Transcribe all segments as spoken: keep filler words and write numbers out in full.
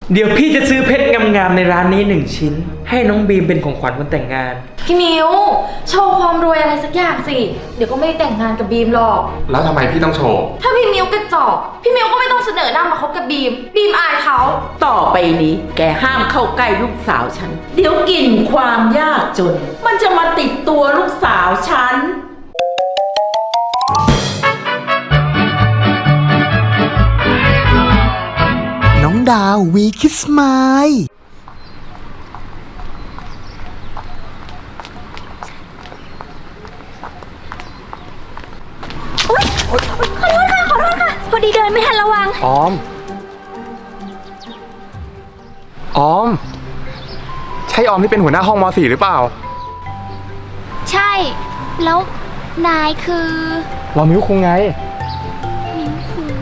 เดี๋ยวพี่จะซื้อเพชรงามๆในร้านนี้หนึ่งชิ้นให้น้องบีมเป็นของขวัญวันแต่งงานพี่มิวโชว์ความรวยอะไรสักอย่างสิเดี๋ยวก็ไม่ได้แต่งงานกับบีมหรอกแล้วทำไมพี่ต้องโชว์ถ้าพี่มิวกระจอกพี่มิวก็ไม่ต้องเสนอหน้ามาคบกับบีมบีมอายเขาต่อไปนี้แกห้ามเข้าใกล้ลูกสาวฉันเดี๋ยวกลิ่นความยากจนมันจะมาติดตัวลูกสาวฉันน้องดาววีคิสมายขอโทษค่ะขอโทษค่ะพอดีเดินไม่ทันระวังออมออมใช่ออมที่เป็นหัวหน้าห้องม .สี่ หรือเปล่าใช่แล้วนายคือเรามิ้วคุงไงมิ้วคุง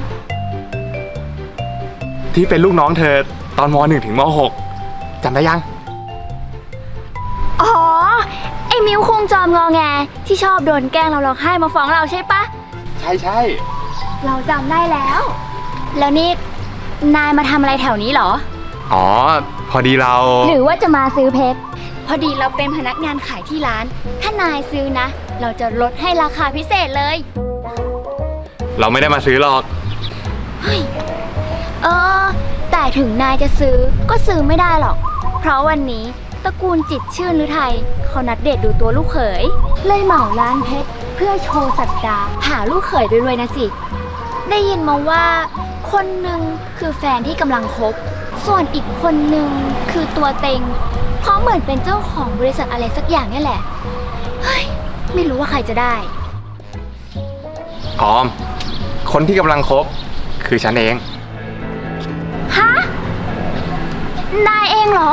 ที่เป็นลูกน้องเธอตอนม .หนึ่ง ถึงม .หก จำได้ยังอ๋อไอ้มิ้วคุงจอมงอแงที่ชอบโดนแกล้งเราร้องไห้มาฟ้องเราใช่ปะใช่ใช่เราจำได้แล้วแล้วนี่นายมาทำอะไรแถวนี้เหรออ๋อพอดีเราหรือว่าจะมาซื้อเพชรพอดีเราเป็นพนักงานขายที่ร้านถ้านายซื้อนะเราจะลดให้ราคาพิเศษเลยเราไม่ได้มาซื้อหรอกเฮ้ยเออแต่ถึงนายจะซื้อก็ซื้อไม่ได้หรอกเพราะวันนี้ตระกูลจิตรชื่นฤทัยเขานัดเดทดูตัวลูกเขยเลยเหมาร้านเพชรเพื่อโชว์สัตดาหาลูกเขยรวยๆนะสิได้ยินมาว่าคนหนึ่งคือแฟนที่กำลังคบส่วนอีกคนหนึ่งคือตัวเต็งเพราะเหมือนเป็นเจ้าของบริษัทอะไรสักอย่างนี่แหละเฮ้ยไม่รู้ว่าใครจะได้ออมคนที่กำลังคบคือฉันเองฮะนายเองเหรอ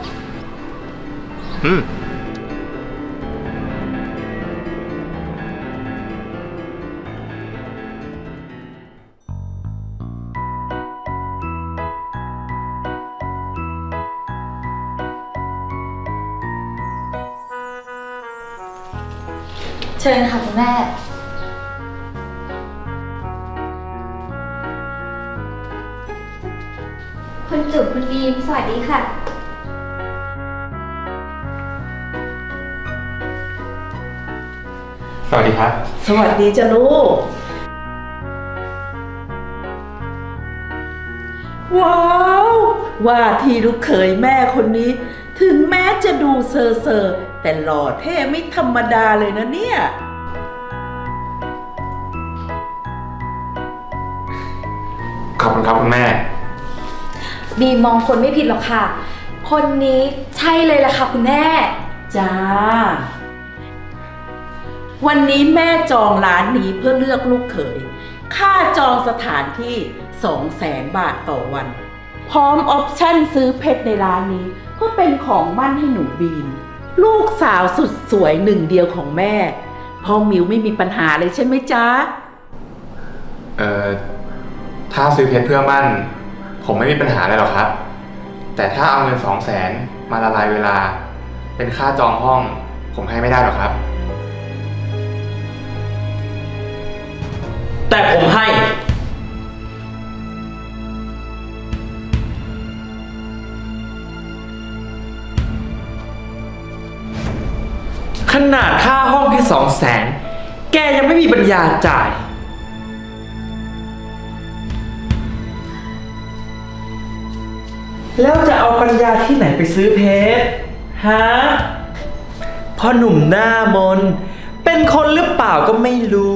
อืมเชิญค่ะคุณแม่คุณจุ๋มคุณบีมสวัสดีค่ะสวัสดีครับสวัสดีจ้ะลูกว้าวว่าที่ลูกเขยแม่คนนี้ถึงแม้จะดูเซอร์เซอร์แต่หล่อเท่ไม่ธรรมดาเลยนะเนี่ยขอบคุณครับคุณแม่บีมองคนไม่ผิดหรอกค่ะคนนี้ใช่เลยล่ะค่ะคุณแม่จ้าวันนี้แม่จองร้านนี้เพื่อเลือกลูกเขยค่าจองสถานที่สองแสนบาทต่อวันพร้อมออปชั่นซื้อเพชรในร้านนี้เพื่อเป็นของมั่นให้หนูบีมลูกสาวสุดสวยหนึ่งเดียวของแม่พ่อมิวไม่มีปัญหาเลยใช่ไหมจ๊ะเอ่อถ้าซื้อเพชรเพื่อมั่นผมไม่มีปัญหาอะไรหรอกครับแต่ถ้าเอาเงินสองแสนมาละลายเวลาเป็นค่าจองห้องผมให้ไม่ได้หรอกครับแต่ผมให้ขนาดค่าห้องแค่สองแสนแกยังไม่มีปัญญาจ่ายแล้วจะเอาปัญญาที่ไหนไปซื้อเพชรฮะพ่อหนุ่มหน้ามนเป็นคนหรือเปล่าก็ไม่รู้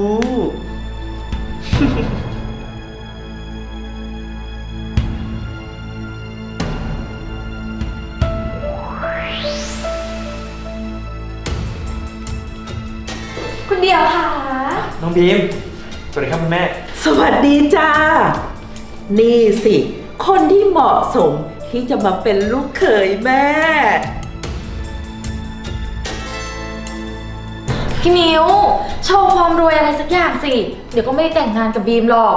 คุณเดียวค่ะน้องบีมสวัสดีครับคุณแม่สวัสดีจ้านี่สิคนที่เหมาะสมที่จะมาเป็นลูกเขยแม่พี่มิวโชว์ความรวยอะไรสักอย่างสิเดี๋ยวก็ไม่ได้แต่งงานกับบีมหรอก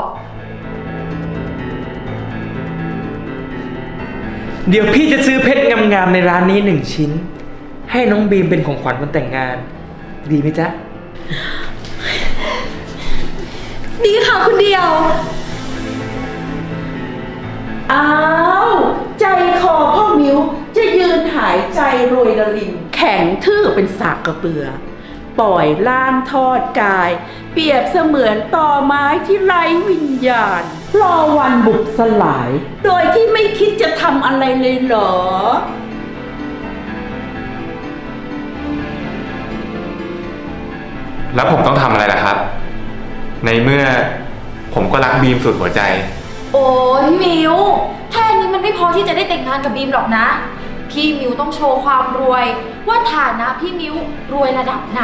เดี๋ยวพี่จะซื้อเพชรงามๆในร้านนี้หนึ่งชิ้นให้น้องบีมเป็นของขวัญวันแต่งงานดีไหมจ๊ะดีค่ะคุณเดียวอ้าวใจรวยระลิมแข็งทื่อเป็นสากกระเบือ ปล่อยล่างทอดกาย เปรียบเสมือนต่อไม้ที่ไร้วิญญาณ รอวันบุกสลาย โดยที่ไม่คิดจะทำอะไรเลยเหรอแล้วผมต้องทำอะไรล่ะครับ ในเมื่อผมก็รักบีมสุดหัวใจโอ้ยพี่มิวแค่นี้มันไม่พอที่จะได้แต่งงานกับบีมหรอกนะ พี่มิวต้องโชว์ความรวย ว่าฐานะพี่มิวรวยระดับไหน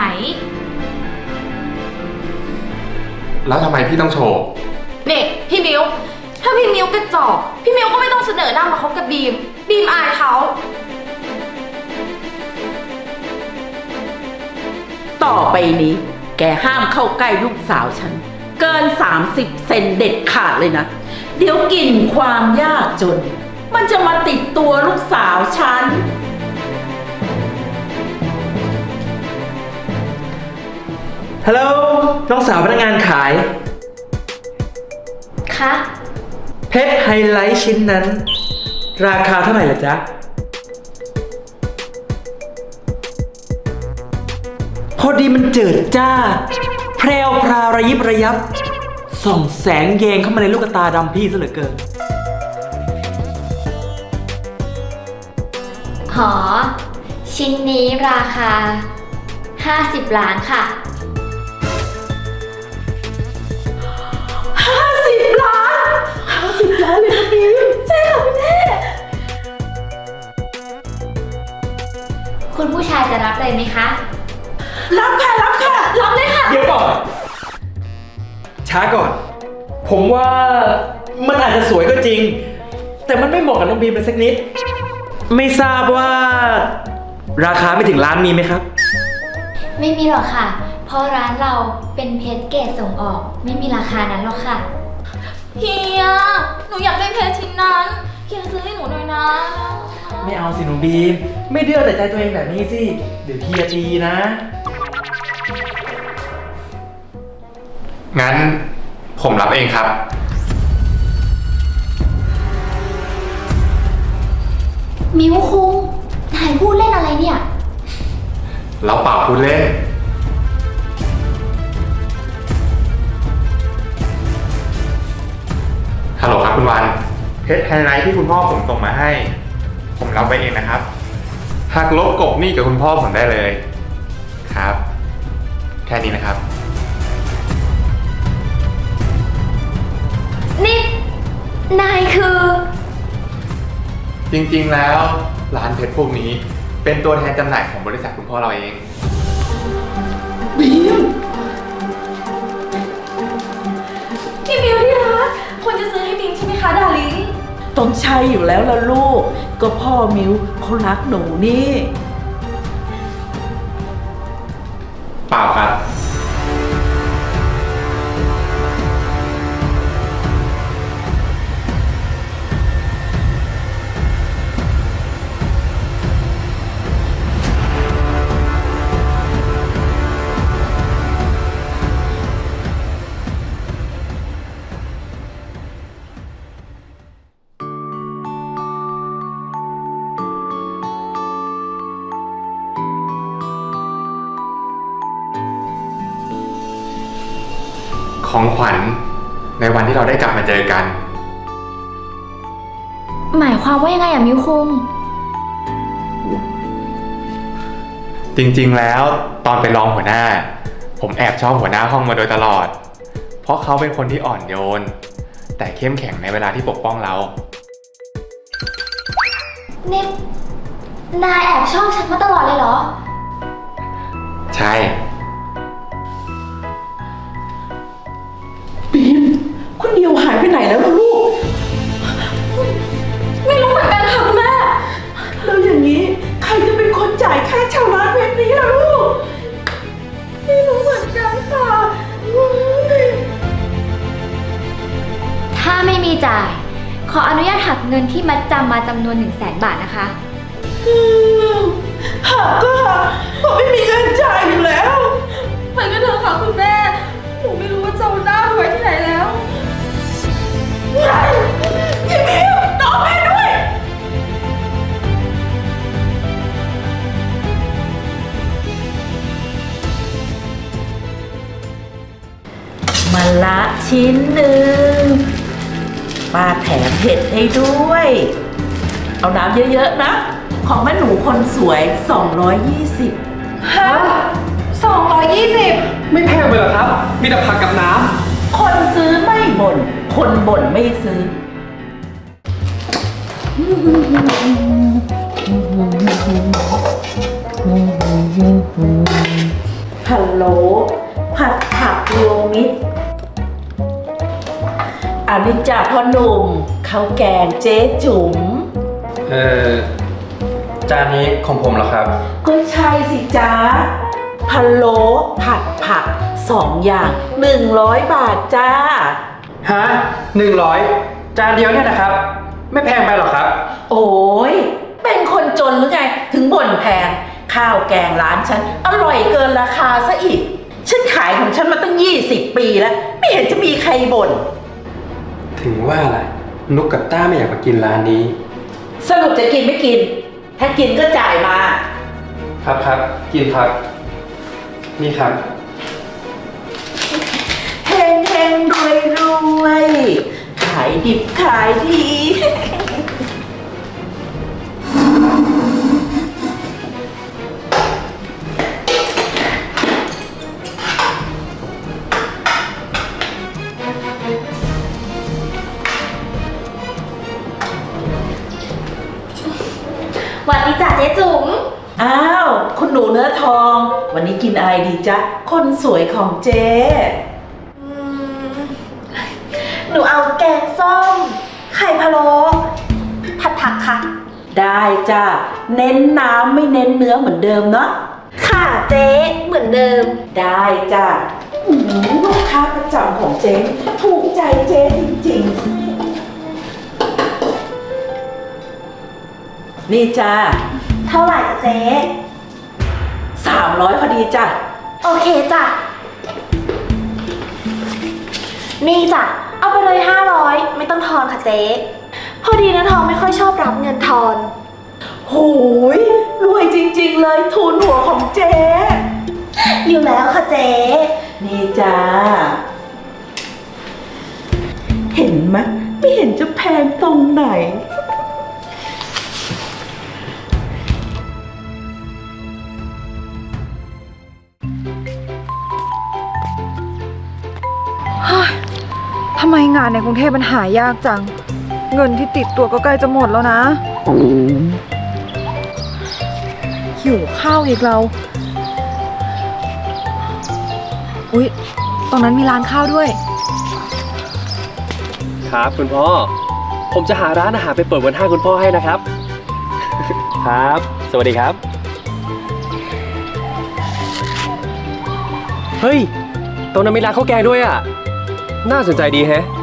แล้วทำไมพี่ต้องโชว์เนี่ยพี่มิวถ้าพี่มิวกระจอกพี่มิวก็ไม่ต้องเสนอหน้ามาคบกับบีม บีมอายเขาต่อไปนี้ แกห้ามเข้าใกล้ลูกสาวฉัน เกิน สามสิบ เซนเด็ดขาดเลยนะ เดี๋ยวกลิ่นความยากจน มันจะมาติดตัวลูกสาวฉันฮัลโหลน้องสาวพนักงานขายคะเพชรไฮไลท์ชิ้นนั้น ราคาเท่าไหร่ล่ะจ๊ะ พอดีมันเจิดจ้า แพรวพราวระยิบระยับ ส่องแสงแยงเข้ามาในลูกตาดำพี่ซะเหลือเกินหอ ชิ้นนี้ราคา ห้าสิบ ล้านค่ะห้าสิบ ล้าน ห้าสิบ ล้านเลยนะบีมใช่ค่ะพี่แม่คุณผู้ชายจะรับเลยไหมคะรับค่ะ รับค่ะรับเลยค่ะเดี๋ยวก่อน ช้าก่อน ผมว่ามันอาจจะสวยก็จริง แต่มันไม่เหมาะกับน้องบีมเลยสักนิด ไม่ทราบว่า ราคาไม่ถึงล้านมีไหมครับไม่มีหรอกค่ะ เพราะร้านเราเป็นเพชรเกรดส่งออก ไม่มีราคานั้นหรอกค่ะเฮีย หนูอยากได้เพชรชิ้นนั้น เฮียซื้อให้หนูหน่อยนะไม่เอาสิหนูบีม ไม่เดือดแต่ใจตัวเองแบบนี้สิ เดี๋ยวเฮียตีนะงั้นผมรับเองครับมิวคุงนายพูดเล่นอะไรเนี่ยเราเปล่าพูดเล่น ฮัลโหลครับคุณวัน เพชรไฮไลท์ที่คุณพ่อผมส่งมาให้ ผมรับไปเองนะครับหักลบกบหนี้กับคุณพ่อผมได้เลย ครับ แค่นี้นะครับนี่ นายคือจริงๆ แล้วร้านเพชรพวกนี้เป็นตัวแทนจำหน่ายของบริษัทคุณพ่อเราเองบีมพี่มิวที่รักควรจะซื้อให้บีมใช่ไหมคะดาริงต้องใช่อยู่แล้วล่ะลูก ก็พ่อมิวเขารักหนูนี่เปล่าครับ ของขวัญในวันที่เราได้กลับมาเจอกันหมายความว่ายังไงอะมิวคุงจริงๆ แล้วตอนเป็นรองหัวหน้า ผมแอบชอบหัวหน้าห้องมาโดยตลอด เพราะเขาเป็นคนที่อ่อนโยน แต่เข้มแข็งในเวลาที่ปกป้องเรานี่ นายแอบชอบฉันมาตลอดเลยเหรอใช่บีม คุณเดียวหายไปไหนแล้วล่ะลูกไม่รู้เหมือนกันค่ะคุณแม่แล้วอย่างนี้ใครจะเป็นคนจ่ายค่าเช่าร้านเพชรนี้ล่ะลูก ไม่รู้เหมือนกันค่ะเฮ้ยถ้าไม่มีจ่าย ขออนุญาตหักเงินที่มัดจำมาจำนวนหนึ่งแสนบาทนะคะอืมหักก็หักเพราะไม่มีเงินจ่ายอยู่แล้วไปกันเถอะค่ะคุณแม่ หนูไม่รู้ว่าจะเอาหน้าไปไว้ที่ไหนแล้วพี่มิวน้องแม่ด้วยนละชิ้นหนึ่งป้าแถมเผ็ดให้ด้วย เอาน้ำเยอะๆนะ ของแม่หนูคนสวยสองร้อยยี่สิบฮะสองร้อยยี่สิบไม่แพงไปหรอครับ มีแต่ผักกับน้คนซื้อไม่บ่น คนบ่นไม่ซื้อ ฮัลโหล ผัดผักรวมมิตรอันนี้จ่าพ่อหนุ่มข้าวแกงเจ๊จุ๋มำเออจานนี้ของผมเหรอครับก็ใช่สิจ๊ะพะโล้ผัดผักสองอย่างหนึ่งร้อยบาทจ้าฮะหนึ่งร้อยจานเดียวเนี่ยนะครับ ไม่แพงไปหรอครับโอ้ยเป็นคนจนหรือไง ถึงบ่นแพง ข้าวแกงร้านฉัน อร่อยเกินราคาซะอีก ฉันขายของฉันมาตั้งยี่สิบปีแล้ว ไม่เห็นจะมีใครบ่นถึงว่าล่ะนุกกับต้าไม่อยากมากินร้านนี้สรุปจะกินไม่กิน ถ้ากินก็จ่ายมาครับครับกินครับ นี่ครับเฮงเฮงรวยรวยขายดิบขายดีหวัดดีจ้ะเจ๊จุ๋มอ้าว คุณหนูเนื้อทอง วันนี้กินอะไรดีจ๊ะ คนสวยของเจ๊หนูเอาแกงส้ม ไข่พะโล้ผัดผักค่ะได้จ้ะ เน้นน้ำไม่เน้นเนื้อเหมือนเดิมเนาะค่ะเจ๊เหมือนเดิมได้จ้ะอื้อหือลูกค้าประจำของเจ๊ถูกใจเจ๊จริงๆ นี่จ้ะเท่าไหร่จ้ะเจ๊สามร้อยพอดีจ้ะโอเคจ้ะ นี่จ้ะ เอาไปเลยห้าร้อยไม่ต้องทอนค่ะเจ๊พอดีนะทองไม่ค่อยชอบรับเงินทอนโหยรวยจริงๆเลยทุนหัวของเจ๊อยู่แล้วค่ะเจ๊นี่จ้า เห็นไหมไม่เห็นจะแพงตรงไหนทำไมงานในกรุงเทพมันหายากจัง เงินที่ติดตัวก็ใกล้จะหมดแล้วนะ หิวข้าวอีกเรา อุ๊ย ตรงนั้นมีร้านข้าวด้วยครับคุณพ่อ ผมจะหาร้านอาหารไปเปิดวันห้างคุณพ่อให้นะครับ ครับ สวัสดีครับ เฮ้ย ตรงนั้นมีร้านข้าวแกงด้วยอ่ะ น่าสนใจดีแฮะ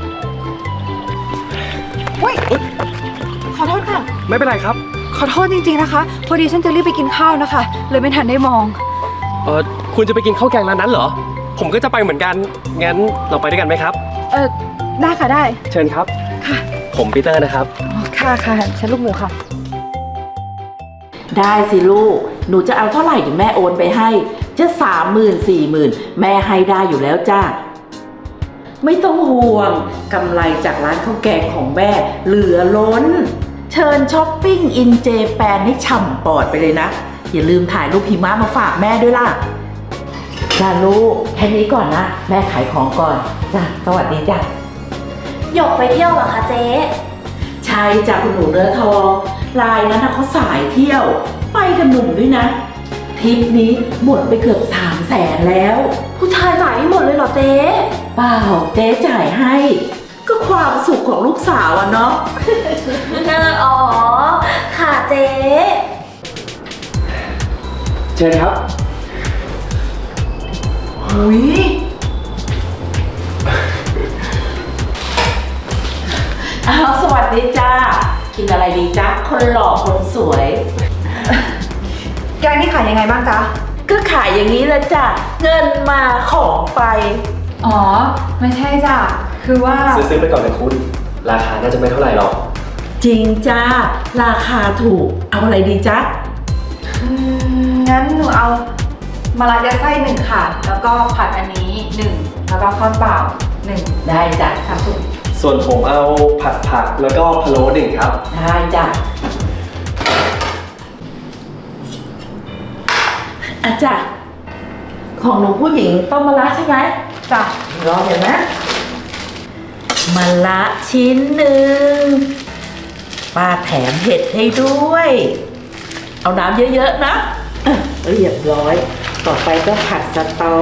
ขอโทษค่ะไม่เป็นไรครับขอโทษจริงๆนะคะ พอดีฉันจะรีบไปกินข้าวนะคะ เลยไม่ทันได้มองเออคุณจะไปกินข้าวแกงร้านนั้นเหรอ ผมก็จะไปเหมือนกัน งั้นเราไปด้วยกันไหมครับเออได้ค่ะได้เชิญครับค่ะผมปีเตอร์นะครับอ๋อค่ะค่ะฉันลูกหมูค่ะได้สิลูก หนูจะเอาเท่าไหร่เดี๋ยวแม่โอนไปให้ จะสามหมื่นสี่หมื่นแม่ให้ได้อยู่แล้วจ้า ไม่ต้องห่วงกำไรจากร้านข้าวแกงของแม่เหลือล้น เชิญช้อปปิ้งอินเจแปนให้ฉ่ำปอดไปเลยนะ อย่าลืมถ่ายรูปหิมะมาฝากแม่ด้วยล่ะจ้าลูกแค่นี้ก่อนนะ แม่ขายของก่อนจ้าสวัสดีจ้าหยกไปเที่ยวเหรอคะเจ๊ใช่จ้ะคุณหนูเนื้อทองรายนั้นนะเขาสายเที่ยว ไปกับหนุ่มด้วยนะทริปนี้หมดไปเกือบสามแสนแล้วผู้ชายจ่ายให้หมดเลยเหรอเจ๊เปล่าเจ๊จ่ายให้ ก็ความสุขของลูกสาวอะเนาะเอออ๋อ ค่ะเจ๊เชิญครับหุยอ้าวสวัสดีจ้ากินอะไรดีจ๊ะคนหล่อคนสวยแกงนี่ขายยังไงบ้างจ๊ะก็ขายอย่างนี้แหละจ้ะเงินมาของไปอ๋อ ไม่ใช่จ้ะ คือว่าซื้อๆไปก่อนเลยคุณ ราคาน่าจะไม่เท่าไหร่หรอกจริงจ้าราคาถูกเอาอะไรดีจ๊ะอืมงั้นหนูเอามะระยัดไส้หนึ่งค่ะ แล้วก็ผัดอันนี้นี้หนึ่งแล้วก็ข้าวเปล่าหนึ่งได้จ้ะค่ะคุณส่วนผมเอาผัดผักแล้วก็พะโล้หนึ่งครับได้จ้ะอาจารย์ของหนูผู้หญิงต้มมะระใช่ไหมจ้ะรอเดี๋ยวนะมะระชิ้นหนึ่งป้าแถมเห็ดให้ด้วย เอาน้ำเยอะๆนะอ่ะเรียบร้อย ต่อไปก็ผัดสตอ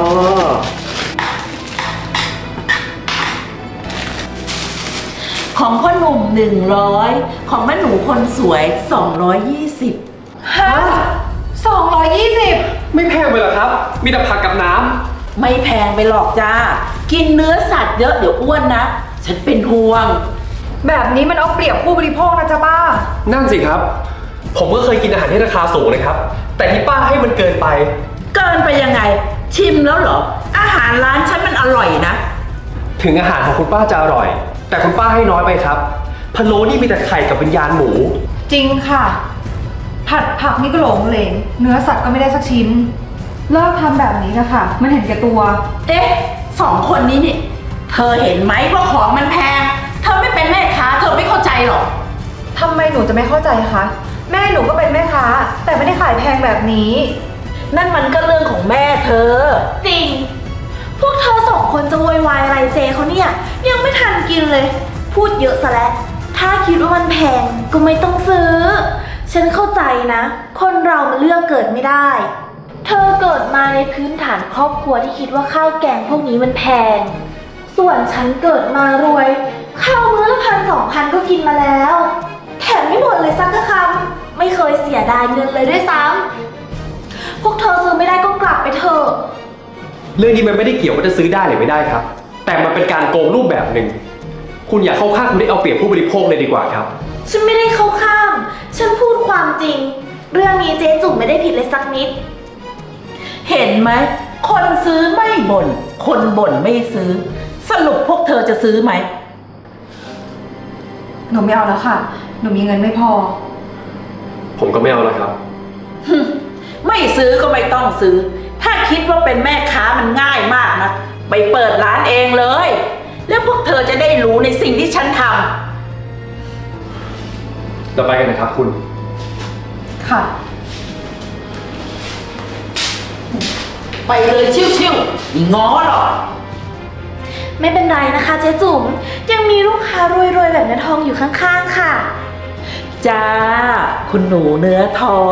ของพ่อหนุ่มหนึ่งร้อยของแม่หนูคนสวยสองร้อยยี่สิบฮะสองร้อยยี่สิบไม่แพงไปหรอครับ มีแต่ผักกับน้ไม่แพงไปหรอกจ้า กินเนื้อสัตว์เยอะเดี๋ยวอ้วนนะ ฉันเป็นห่วงแบบนี้มันเอาเปรียบผู้บริโภคนะจ๊ะป้าำนั่นสิครับ ผมก็เคยกินอาหารที่ราคาสูงนะครับ แต่ที่ป้าให้มันเกินไปเกินไปยังไง ชิมแล้วเหรอ อาหารร้านฉันมันอร่อยนะถึงอาหารของคุณป้าจะอร่อย แต่คุณป้าให้น้อยไปครับพะโล้นี่มีแต่ไข่กับวิญญาณหมูจริงค่ะ ผัดผักนี่ก็หลงเหลงเนื้อสัตว์ก็ไม่ได้สักชิ้น เลิกทำแบบนี้นะคะมันเห็นแก่ตัวเอ๊ะสองคนนี้นี่ เธอเห็นไหมว่าของมันแพง เธอไม่เป็นแม่ค้าเธอไม่เข้าใจหรอกทำไมหนูจะไม่เข้าใจคะ แม่หนูก็เป็นแม่ค้า แต่ไม่ได้ขายแพงแบบนี้นั่นมันก็เรื่องของแม่เธอจริง พวกเธอสองคนจะโวยวายอะไรเจเขาเนี่ย ยังไม่ทันกินเลย พูดเยอะซะแล้ว ถ้าคิดว่ามันแพงก็ไม่ต้องซื้อ ฉันเข้าใจนะ คนเรามันเลือกเกิดไม่ได้ เธอเกิดมาในพื้นฐานครอบครัวที่คิดว่าข้าวแกงพวกนี้มันแพง ส่วนฉันเกิดมารวย ข้าวมื้อละพันสองพันก็กินมาแล้ว แถมไม่หมดเลยสักคำไม่เคยเสียดายเงินเลยด้วยซ้ำพวกเธอซื้อไม่ได้ก็กลับไปเถอะเรื่องนี้มันไม่ได้เกี่ยวว่าจะซื้อได้หรือไม่ได้ครับ แต่มันเป็นการโกงรูปแบบหนึ่ง คุณอย่าเข้าข้างคนที่เอาเปรียบผู้บริโภคเลยดีกว่าครับฉันไม่ได้เข้าข้าง ฉันพูดความจริง เรื่องนี้เจ๊จุ๋มไม่ได้ผิดเลยสักนิดเห็นไหม คนซื้อไม่บน่น คนบ่นไม่ซื้อ สรุปพวกเธอจะซื้อไหมหนูไม่เอาแล้วค่ะ หนูมีเงินไม่พอผมก็ไม่เอาแล้วครับไม่ซื้อก็ไม่ต้องซื้อ ถ้าคิดว่าเป็นแม่ค้ามันง่ายมากนะ ไปเปิดร้านเองเลย แล้วพวกเธอจะได้รู้ในสิ่งที่ฉันทเราไปกันนะครับคุณค่ะำไปเลยชิวๆอีง้อหรอกไม่เป็นไรนะคะเจ๊จุ๋ม ยังมีลูกค้ารวยๆแบบน้าทองอยู่ข้างๆค่ะจ้า คุณหนูเนื้อทอง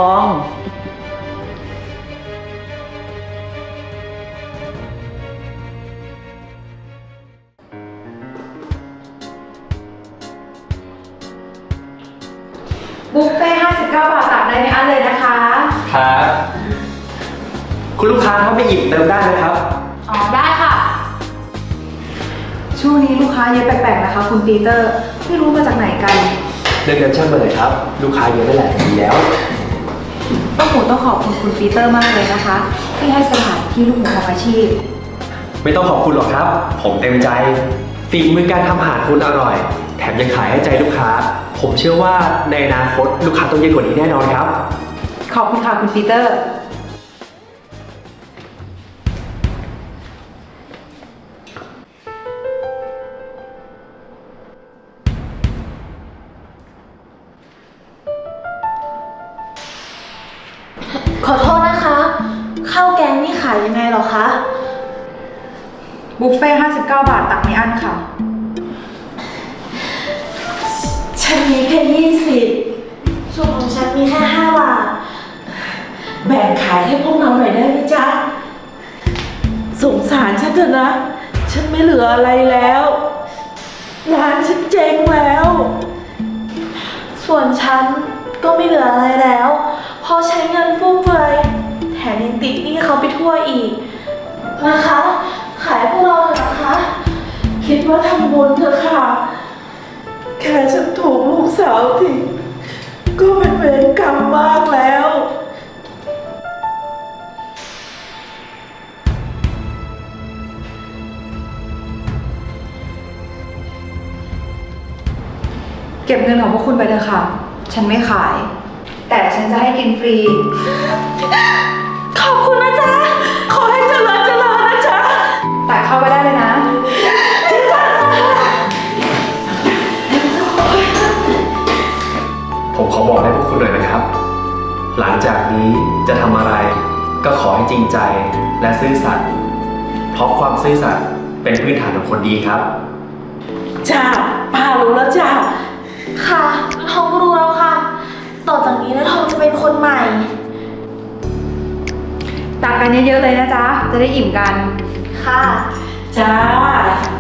บุฟเฟ่ห้าสิบเก้าบาทตักได้ไม่อั้นเลยนะคะครับ คุณลูกค้าถ้าไม่อิ่มเติมได้นะครับอ๋อได้ค่ะช่วงนี้ลูกค้าเยอะแปลกๆนะคะ คุณปีเตอร์ ไม่รู้มาจากไหนกันเรื่องเงินช่างมาเลยครับ ลูกค้าเยอะได้แหละดีแล้วต้องหมูต้องขอบคุณคุณปีเตอร์มากเลยนะคะ ที่ให้สถานที่ลูกหมูทำอาชีพไม่ต้องขอบคุณหรอกครับ ผมเต็มใจ ฝีมือการทำอาหารคุณอร่อย แถมยังขายให้ใจลูกค้า ผมเชื่อว่าในอนาคตลูกค้าต้องเยอะกว่านี้แน่นอนครับขอบคุณค่ะคุณปีเตอร์ขอโทษนะคะ ข้าวแกงนี่ขายยังไงเหรอคะบุฟเฟ่ห้าสิบเก้าบาทตักไม่อั้นค่ะฉันมีแค่ยี่สิบส่วนของฉันมีแค่ห้าบาทแบ่งขายให้พวกเราหน่อยได้ไหมจ๊ะ สงสารฉันเถอะนะ ฉันไม่เหลืออะไรแล้ว ร้านฉันเจ๊งแล้วส่วนฉันก็ไม่เหลืออะไรแล้ว เพราะใช้เงินฟุ่มเฟือยแถมยังติดหนี้เขาไปทั่วอีก นะคะ ขายพวกเราเถอะนะคะคิดว่าทำบุญเถอะค่ะ แค่ฉันถูกลูกสาวทิ้งก็เป็นเวรกรรมมากแล้วเก็บเงินของพวกคุณไปเถอะค่ะ ฉันไม่ขาย แต่ฉันจะให้กินฟรีขอบคุณนะจ๊ะขอให้เจริญเจริญนะจ๊ะแต่เข้าไปได้เลยนะผมขอบอกให้พวกคุณหน่อยนะครับ หลังจากนี้จะทำอะไรก็ขอให้จริงใจและซื่อสัตย์เพราะความซื่อสัตย์เป็นพื้นฐานของคนดีครับจ้าป้ารู้แล้วจ้าค่ะทองรู้แล้วค่ะ ต่อจากนี้นะทองจะเป็นคนใหม่ตักกันเยอะๆเลยนะจ๊ะ จะได้อิ่มกันค่ะจ้า